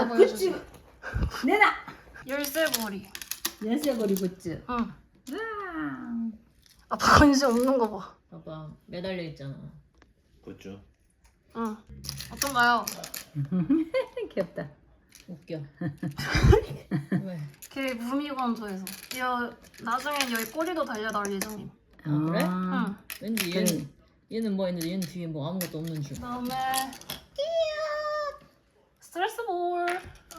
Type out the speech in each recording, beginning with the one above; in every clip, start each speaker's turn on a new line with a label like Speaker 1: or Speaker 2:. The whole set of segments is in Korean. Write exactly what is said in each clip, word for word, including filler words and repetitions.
Speaker 1: 아, 굿즈 내놔.
Speaker 2: 열쇠고리.
Speaker 1: 열쇠고리 굿즈.
Speaker 2: 응.
Speaker 1: 와.
Speaker 2: 아빠 관심 없는 거 봐.
Speaker 3: 봐봐 매달려 있잖아.
Speaker 4: 굿즈.
Speaker 2: 응. 어떤가요?
Speaker 1: 귀엽다.
Speaker 3: 웃겨. 왜?
Speaker 2: 걔 무미건조해서. 여 나중엔 여기 꼬리도 달려 나올 예정임.
Speaker 3: 아, 그래?
Speaker 2: 응.
Speaker 3: 왠지
Speaker 1: 그래.
Speaker 3: 얘는 얘는 뭐 있는데 얘는 뒤에 뭐 아무것도 없는 줄.
Speaker 2: 그다음에 스트레스 볼.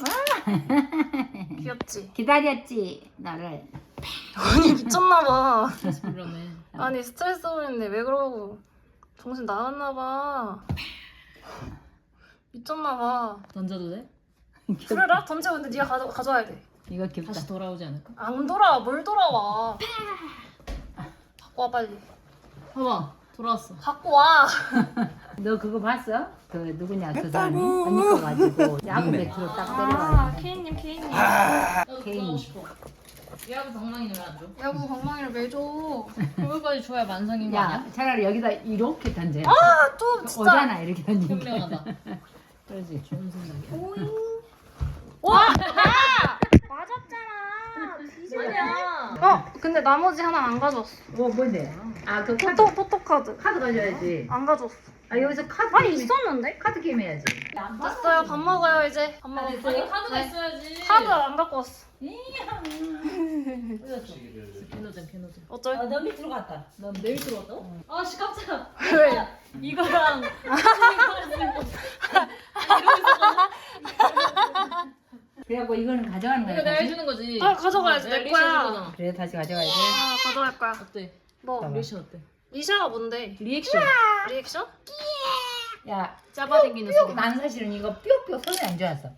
Speaker 2: 귀엽지?
Speaker 1: 기다렸지 너를.
Speaker 2: 아니 미쳤나봐.
Speaker 3: 그러네.
Speaker 2: 아니 스트레스 볼인데 왜 그러고 정신 나갔나봐. 미쳤나봐.
Speaker 3: 던져도 돼?
Speaker 2: 그래라 던져. 근데 네가 가져 가져와야 돼.
Speaker 1: 이거 귀엽다.
Speaker 3: 다시 돌아오지 않을까?
Speaker 2: 안 돌아와. 뭘 돌아와? 갖고 와 빨리.
Speaker 3: 봐봐 돌아왔어.
Speaker 2: 갖고 와.
Speaker 1: 너 그거 봤어? 그 누구냐 그 사람이 언니 거 가지고 야구 배트로 딱
Speaker 2: 아
Speaker 1: 때려가지고.
Speaker 2: 케이님 케이님.
Speaker 3: 나도
Speaker 1: 개인.
Speaker 3: 돌아오고 싶어. 얘하고 방망이는 왜 안 줘?
Speaker 2: 야구 방망이를 왜 줘?
Speaker 3: 그거까지 줘야 만성인 거 아니야?
Speaker 1: 야 차라리 여기다 이렇게 던져.
Speaker 2: 아또 진짜.
Speaker 1: 오잖아 이렇게 던지니까.
Speaker 3: 현명하다.
Speaker 1: 그렇지.
Speaker 3: 좋은 생각이야.
Speaker 2: 와! 아! 맞았잖아.
Speaker 3: 아니야.
Speaker 2: 어 근데 나머지 하나 안 가져왔어.
Speaker 1: 뭐 뭔데? 아그 카드
Speaker 2: 포토 포토 카드.
Speaker 1: 카드 가져야지.
Speaker 2: 안 가져왔어.
Speaker 1: 아 여기서 카드
Speaker 2: 아니
Speaker 1: 게임-
Speaker 2: 있었는데?
Speaker 1: 카드 게임 해야지.
Speaker 2: 됐어요. 밥 먹어요 이제. 밥 먹어.
Speaker 3: 아니 카드가
Speaker 2: 네.
Speaker 3: 있어야지.
Speaker 2: 카드 안 갖고 왔어.
Speaker 3: 캐노잼 캐노잼.
Speaker 2: 어쩔?
Speaker 1: 너 밑으로 갔다.
Speaker 3: 넌 내일 들어왔다고? 아씨 깜짝아.
Speaker 2: 왜?
Speaker 3: 이거랑
Speaker 1: 그래갖고 이거는 가져가는 거야.
Speaker 3: 이거 내가
Speaker 1: 다시?
Speaker 3: 해주는 거지.
Speaker 2: 아, 가져가야지,
Speaker 3: 내가
Speaker 2: 내
Speaker 3: 리액션
Speaker 2: 거야.
Speaker 3: 해줄 거잖아.
Speaker 1: 그래 다시 가져가야 돼.
Speaker 2: 아 가져갈 거야.
Speaker 3: 어때?
Speaker 2: 뭐?
Speaker 1: 잠깐만.
Speaker 3: 리액션 어때?
Speaker 2: 리샤가 뭔데?
Speaker 3: 리액션.
Speaker 2: 리액션?
Speaker 1: 야
Speaker 3: 짜바당기는
Speaker 1: 뿅!
Speaker 3: 소리.
Speaker 1: 나는 사실은 이거 뿅뿅 소리 안 좋았어.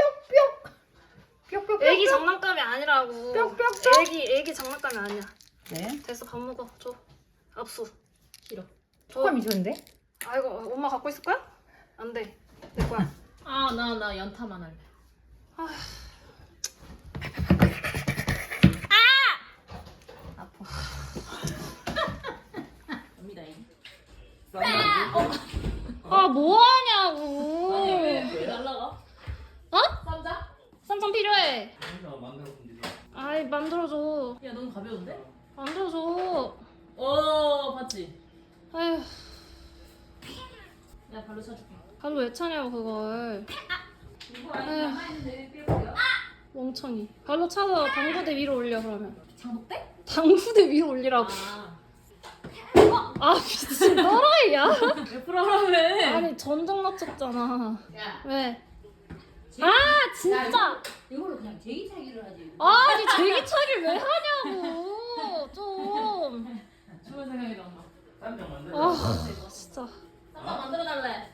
Speaker 1: 뿅뿅. 뿅뿅.
Speaker 2: 애기 장난감이 아니라고.
Speaker 1: 뿅뿅뿅.
Speaker 2: 애기 애기 장난감이 아니야.
Speaker 1: 네.
Speaker 2: 됐어 밥 먹어. 줘. 압수.
Speaker 3: 싫어.
Speaker 2: 줘.
Speaker 1: 조금이 좋은데?
Speaker 2: 아이고 엄마 갖고 있을 거야? 안 돼. 내 거야.
Speaker 3: 아 나 나 연타만 할래.
Speaker 2: 아파.
Speaker 3: 갑니다 이.
Speaker 2: 아 뭐하냐고.
Speaker 3: 아니 왜왜 날라가?
Speaker 2: 어?
Speaker 3: 쌈자?
Speaker 2: 쌈장 필요해.
Speaker 4: 만들어 본지.
Speaker 2: 아이 만들어줘.
Speaker 3: 야 너무 가벼운데?
Speaker 2: 만들어줘.
Speaker 3: 어 봤지?
Speaker 2: 아휴
Speaker 3: 야 발로 차줄게.
Speaker 2: 발로 왜 차냐고 그걸. 아휴 멍청이. 발로 차서 당구대 위로 올려 그러면.
Speaker 3: 장독대?
Speaker 2: 당구대 위로 올리라고.
Speaker 3: 아.
Speaker 2: 아 미친 또라이야?
Speaker 3: 왜 풀어라며?
Speaker 2: 아니 전정 맞췄잖아.
Speaker 3: 야.
Speaker 2: 왜? 아 진짜.
Speaker 3: 이걸로 그냥 제기차기를 하지.
Speaker 2: 아니 제기차기를 왜 하냐고 좀.
Speaker 3: 좋은 생각이다 엄마.
Speaker 4: 쌈장 만들어.
Speaker 2: 아 진짜.
Speaker 3: 쌈장 만들어 달래.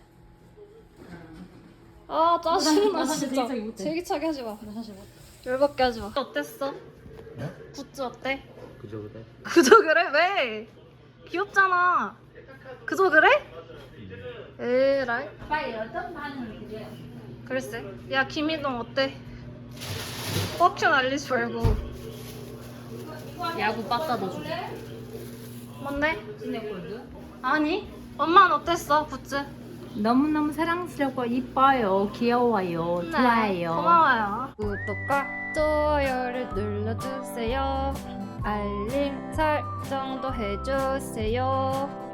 Speaker 2: 아 짜증나
Speaker 3: 나 사실
Speaker 2: 진짜.
Speaker 3: 제기차기 못해.
Speaker 2: 제기차기 하지 마.
Speaker 3: 나 사실 뭐.
Speaker 2: 열받게 하지 마. 어땠어?
Speaker 4: 네?
Speaker 2: 굿즈 어때?
Speaker 4: 그저 그래.
Speaker 2: 그저 그래? 왜? 귀엽잖아. 그저 그래? 에라이.
Speaker 1: 빨리 어떤 반응을 그래?
Speaker 2: 글쎄. 야 김희동 어때? 뻑큐 날리지 말고.
Speaker 3: 야구 빠따도 줘.
Speaker 2: 뭔데?
Speaker 1: 스낵골드.
Speaker 2: 아니. 엄마는 어땠어 굿즈?
Speaker 1: 너무너무 사랑스럽고 이뻐요. 귀여워요.
Speaker 2: 네,
Speaker 1: 좋아요.
Speaker 2: 고마워요. 구독과 좋아요를 눌러주세요. 알림 설정도 해주세요.